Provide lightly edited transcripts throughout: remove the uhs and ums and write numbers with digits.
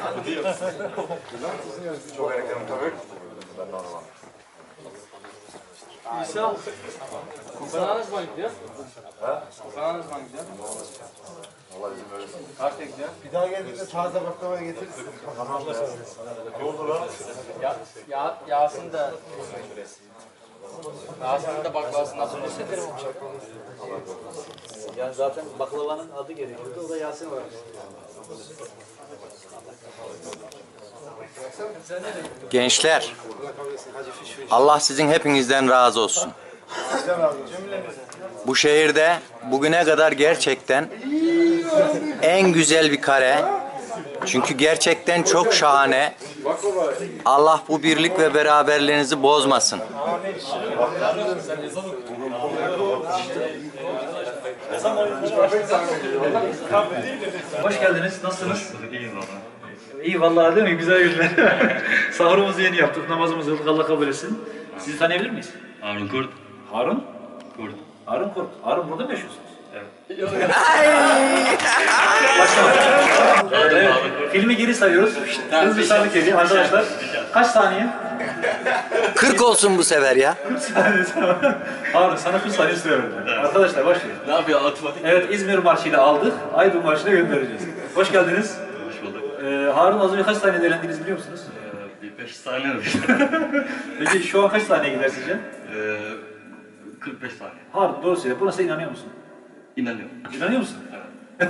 Çok erken tabii. Ben de anlamam. İsa, kokonağın ne zaman gidiyor? Kokonağın ne zaman gidiyor? Allah izin verirsin. Kaçta gidiyor? Bir daha geldiğinde taze baklava getiririz. Ne oldu lan? Yasin de... Yasin'in de baklavası nasıl hissederim? Yani zaten baklavanın adı gerekiyordu, o da Yasin var. Gençler, Allah sizin hepinizden razı olsun. Bu şehirde bugüne kadar gerçekten en güzel bir kare. Çünkü gerçekten çok şahane. Allah bu birlik ve beraberliğinizi bozmasın. Hoş geldiniz, nasılsınız? İyi vallahi değil mi? Güzel günler. Sahurumuzu yeni yaptık, namazımızı kıldık, Allah kabul etsin. Sizi tanıyabilir miyiz? Harun Kurt. Harun? Kurt. Harun Kurt. Harun burada mı yaşıyorsunuz? Evet. Evet. Filmi geri sayıyoruz. Hızlı sarlık ediyor arkadaşlar. Kaç saniye? 40 olsun bu sefer ya. 40 saniye. Harun sana 40 saniye süre verdim. Arkadaşlar başlıyoruz. Ne yapıyor otomatik? Evet, İzmir Marşı'yla aldık. Aydın Marşı'na göndereceğiz. Hoş geldiniz. Hoş bulduk. Harun az önce kaç saniye eğlendiniz biliyor musunuz? Bir 5 saniye mi? Peki şu an kaç saniye gider sizce? 45 saniye. Harun doğru söyle. Buna sen inanıyor musun? İnanıyorum. İnanıyor musun? Evet.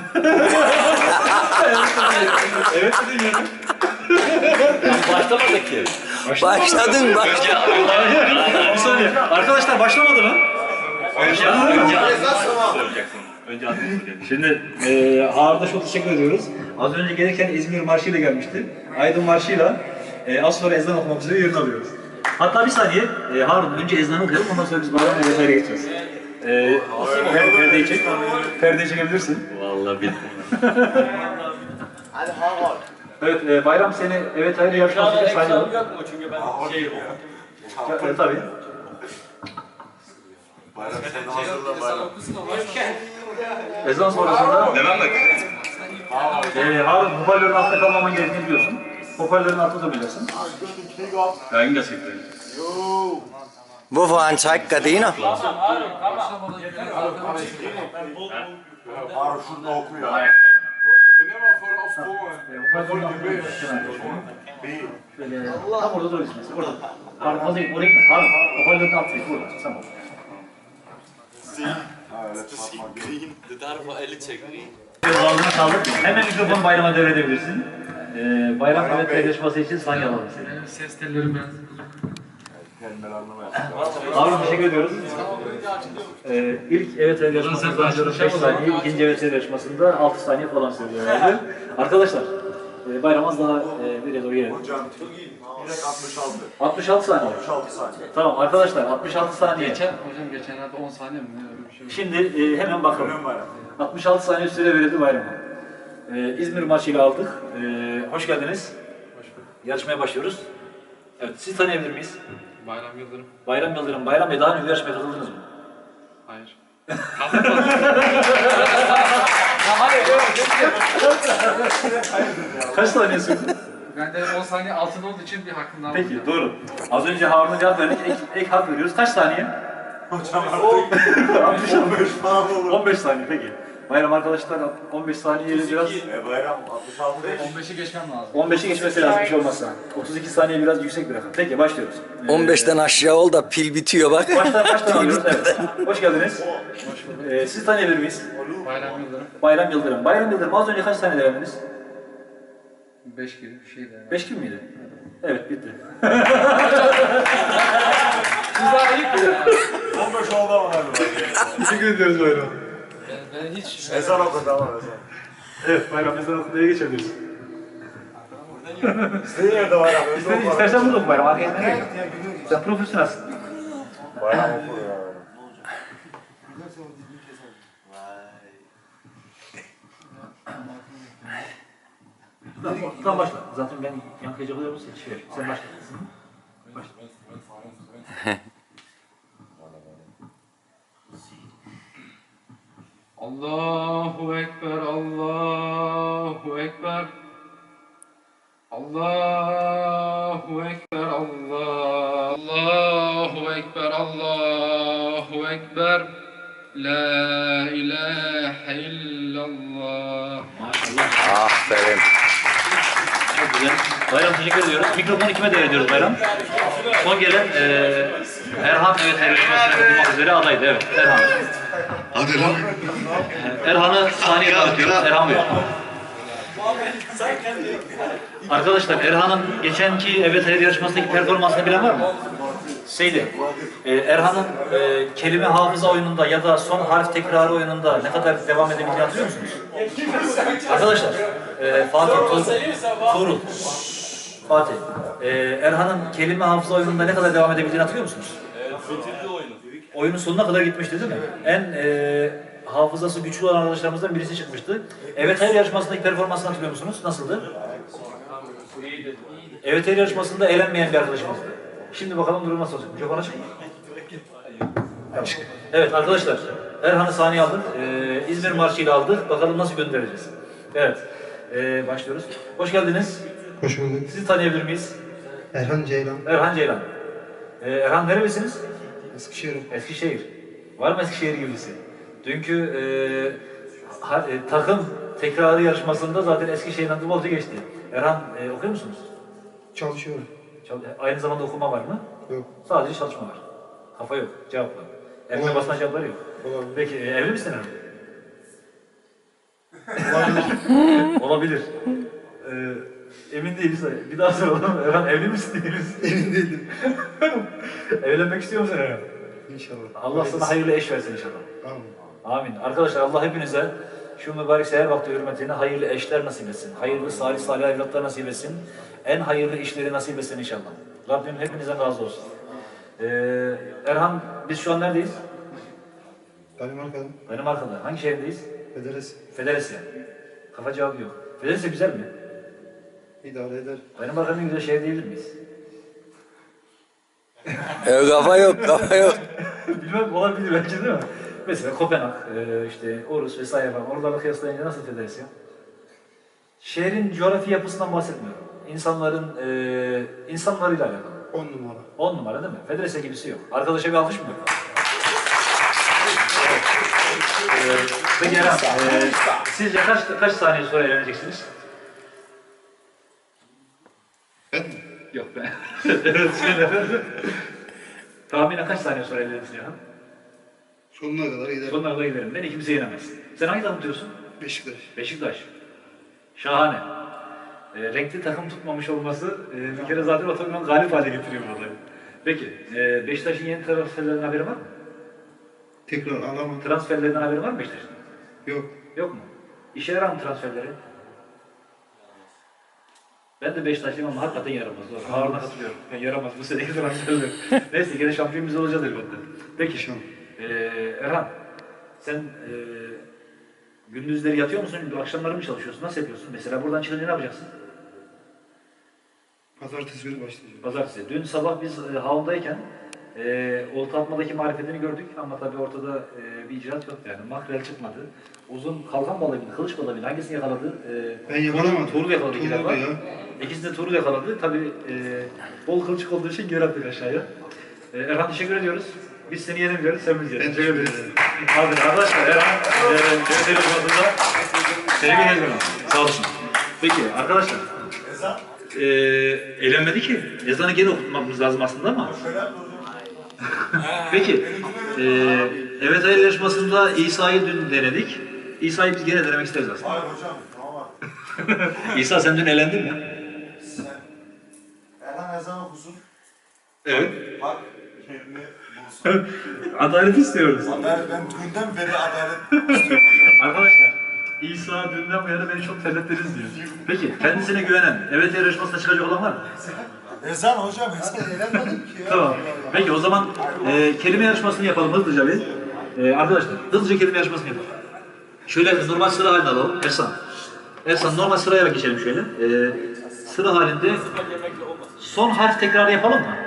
Evet dedin yani. Başlamadık ki. Başladın bak. Bir saniye. Arkadaşlar başlamadı mı? Önce adını soracaksın. Önce adını soracaksın. Şimdi Harun'a çok teşekkür ediyoruz. Az önce gelirken İzmir Marşı'yla gelmişti. Aydın Marşı'yla az sonra ezan okumak üzere yerini alıyoruz. Hatta bir saniye Harun önce ezanı okuyalım, ondan sonra biz bayramla vesaire geçeceğiz. Perdeyi çek. Perdeyi çekebilirsin. Vallahi bildim. Hadi Harun. Evet, bayram seni evet hayır yarışması için sayalım. Yok mu? Çünkü ben Evet tabii. Bayram sen de hazırla bayram. Ezan sonrasında Devam mı? Harun hoparlörün altında kalmaman gerektiğini biliyorsun. Hoparlörün altında durmayacaksın. Ben gerçekten. Wovon zeigt Gardiner? Harun şurada okuyor. Hoparlörün altında duracaksın. Şöyle tam orada duracaksın. Orada. Harun fazla gitme, oraya gitme. Harun hoparlörün altında git. Burada. Tamam. Uzandığına kaldık. Hemen mikrofonu Bayram'a devredebilirsin. Bayram evet paylaşması için saniye alalım seni. ses tellerim ben. Kelimeler anlamaya. Harun teşekkür ediyoruz. İlk evet yarışmasında 5 saniye, ikinci evet yarışmasında 6 saniye falan sürüyor herhalde. Arkadaşlar, Bayram az daha bir doğru gelelim. Hocam direkt 66. 66 saniye. 66 saniye. Tamam arkadaşlar 66 saniye. Hocam geçenlerde 10 saniye mi? Öyle bir şey. Şimdi hemen bakalım. Hemen bayram. 66 saniye süre verildi Bayram'a. İzmir maçıyla aldık. Hoş geldiniz. Hoş bulduk. Yarışmaya başlıyoruz. Evet, sizi tanıyabilir miyiz? Bayram Yıldırım. Bayram Yıldırım. Bayram Bey daha önce yarışmaya katıldınız mı? Hayır. Kaç saniye sürdü? Ben de 10 saniye altın olduğu için bir hakkımdan aldım. Peki doğru. Az önce Harun'a cevap verdik. Ek hak veriyoruz. Kaç saniye? Hocam artık 15 falan olur. 15 saniye peki. Bayram arkadaşlar 15 saniyeyle biraz Bayram 66 değil. 15'i geçmem lazım. 15'i geçmesi lazım bir şey olmazsa. 32 saniye biraz yüksek bir rakam. Peki başlıyoruz. 15'ten aşağı ol da pil bitiyor bak. Baştan alıyoruz. Evet. Hoş geldiniz. Sizi tanıyabilir miyiz? Bayram Yıldırım. Bayram Yıldırım. Bayram Yıldırım az önce kaç saniye denediniz? 5 gibi bir şeydi. 5 gibi miydi? Evet bitti. Siz daha iyi biliyorsunuz. 15 oldu ama galiba. Teşekkür ediyoruz Bayram. Ben hiç... Ezan okudu ama ezan. Evet Bayram ezan okumaya geçebiliriz. İstediğin yerde bayram. İstersen burada oku Bayram. Arkaya gitmeye gerek yok. Sen profesyonelsin. Bayram okur ya. Tamam başla. Zaten ben yankı yapıyorum sen başla. Başla. Allahu Ekber, Allahu Ekber. Allahu Ekber, Allahu Ekber, Allahu Ekber. La ilahe illallah. Maşallah. Aferin. Çok güzel. Bayram teşekkür ediyoruz. Mikrofonu kime devrediyoruz Bayram? Son gelen Erhan evet yarışmasına katılmak üzere adaydı. Evet Erhan. Hadi lan. Erhan'ı sahneye dağıtıyoruz. Erhan Bey. Arkadaşlar Erhan'ın geçenki Evet Hayır yarışmasındaki performansını bilen var mı? Seydi. Erhan'ın kelime hafıza oyununda ya da son harf tekrarı oyununda ne kadar devam edebildiğini hatırlıyor musunuz? Arkadaşlar Fatih, Tuğrul, Fatih. Erhan'ın kelime hafıza oyununda ne kadar devam edebildiğini hatırlıyor musunuz? Bitirdi oyunu. Oyunun sonuna kadar gitmişti değil mi? En hafızası güçlü olan arkadaşlarımızdan birisi çıkmıştı. Evet Hayır yarışmasındaki performansını hatırlıyor musunuz? Nasıldı? Evet Hayır yarışmasında eğlenmeyen bir arkadaşımızdı. Şimdi bakalım durum nasıl olacak? Mikrofon açık mı? Açık. Evet arkadaşlar, Erhan'ı sahneye aldık. İzmir Marşı ile aldık. Bakalım nasıl göndereceğiz? Evet, başlıyoruz. Hoş geldiniz. Hoş bulduk. Sizi tanıyabilir miyiz? Erhan Ceylan. Erhan Ceylan. Erhan nerelisiniz? Eskişehir. Eskişehir. Var mı Eskişehir gibisi? Dünkü takım tekrarı yarışmasında zaten Eskişehir'in adı bolca geçti. Erhan okuyor musunuz? Çalışıyorum. Aynı zamanda okuma var mı? Yok. Sadece çalışma var. Kafa yok, cevap var. Evine basılan cevaplar yok. Olabilir. Peki evli misin Erhan? Olabilir. Olabilir. Emin değiliz. Bir daha soralım. Erhan evli misin değil misin? Emin değilim. Evlenmek istiyor musun Erhan? İnşallah. Allah sana hayırlı eş versin inşallah. Amin. Amin. Arkadaşlar Allah hepinize şu mübarek seher vakti hürmetine hayırlı eşler nasip etsin. Hayırlı salih evlatlar nasip etsin. En hayırlı işleri nasip etsin inşallah. Rabbim hepinizden razı olsun. Erhan biz şu an neredeyiz? Danimarka'dan. Danimarka'da. Hangi şehirdeyiz? Federes. Federasya. Kafa cevabı yok. Federasya güzel mi? İdare eder. Danimarka'nın en güzel şehir diyebilir miyiz? Kafa yok, kafa yok. Bilmem olabilir belki değil mi? Mesela Kopenhag, işte Orus vesaire falan. Oralarla kıyaslayınca nasıl Federasya? Şehrin coğrafi yapısından bahsetmiyorum. İnsanlarıyla alakalı. 10 numara. 10 numara değil mi? Federasya gibisi yok. Arkadaşa bir alkış mı? Peki Erhan, sizce kaç saniye sonra evleneceksiniz? Ben mi? Yok ben. Evet, söyle. Tahminen kaç saniye sonra evlenirsin Erhan? Sonuna kadar giderim. Sonuna kadar giderim. Beni kimse yenemez. Sen hangi takım tutuyorsun? Beşiktaş. Beşiktaş. Şahane. Renkli takım tutmamış olması bir kere zaten o takımın galip hale getiriyor burada. Peki, Beşiktaş'ın yeni transferlerinden haberi var mı? Tekrar alamadım. Transferlerinden haberi var mı Beşiktaş'ın? Yok. Yok mu? İşe yarar mı transferleri? Ben de Beşiktaşlıyım ama hakikaten yaramaz. Doğru. Harun'a katılıyorum. Yani yaramaz bu seneki transferler. Neyse gene şampiyon biz olacağız elbette. Peki, İnşallah. Erhan, sen gündüzleri yatıyor musun? Akşamları mı çalışıyorsun? Nasıl yapıyorsun? Mesela buradan çıkınca ne yapacaksın? Pazartesi günü başlayacağım. Pazartesi. Dün sabah biz havundayken olta atmadaki marifetini gördük ama tabii ortada bir icraat yoktu yani. Makrel çıkmadı. Uzun kalkan balığı mıydı, kılıç balığı mıydı? Hangisini yakaladı? Ben yakalamadım. Tuğrul yakaladı iki Tuğrul defa. ya. İkisini de Tuğrul yakaladı. Tabii bol kılçık olduğu için geri attık aşağıya. Erhan teşekkür ediyoruz. Biz seni yenemiyoruz, sen bizi Ben yenin. teşekkür ederim. Abi arkadaşlar Erhan televizyonunda sevgili Ezber'im. Sağ olsun. Peki arkadaşlar. Eğlenmedi ki. Ezanı gene okutmamız lazım aslında ama. Peki. Evet hayır yarışmasında İsa'yı dün denedik. İsa'yı biz gene denemek isteriz aslında. Hayır hocam, tamam. İsa sen dün eğlendin mi? Erhan ezan okusun. Evet. Bak, yerini bulsun. Adalet istiyoruz. Adalet, ben dünden beri adalet istiyorum hocam. Arkadaşlar, İsa dünden bu yana beni çok terlettiniz diyor. Peki, kendisine güvenen, evet yarışmasına çıkacak olan var mı? Ezan hocam, ezan eğlenmedim ki ya. Tamam. Peki o zaman kelime yarışmasını yapalım hızlıca bir. Arkadaşlar, hızlıca kelime yarışmasını yapalım. Şöyle normal sıra halinde alalım. Ersan normal sıraya geçelim şöyle. Sıra halinde son harf tekrarı yapalım mı?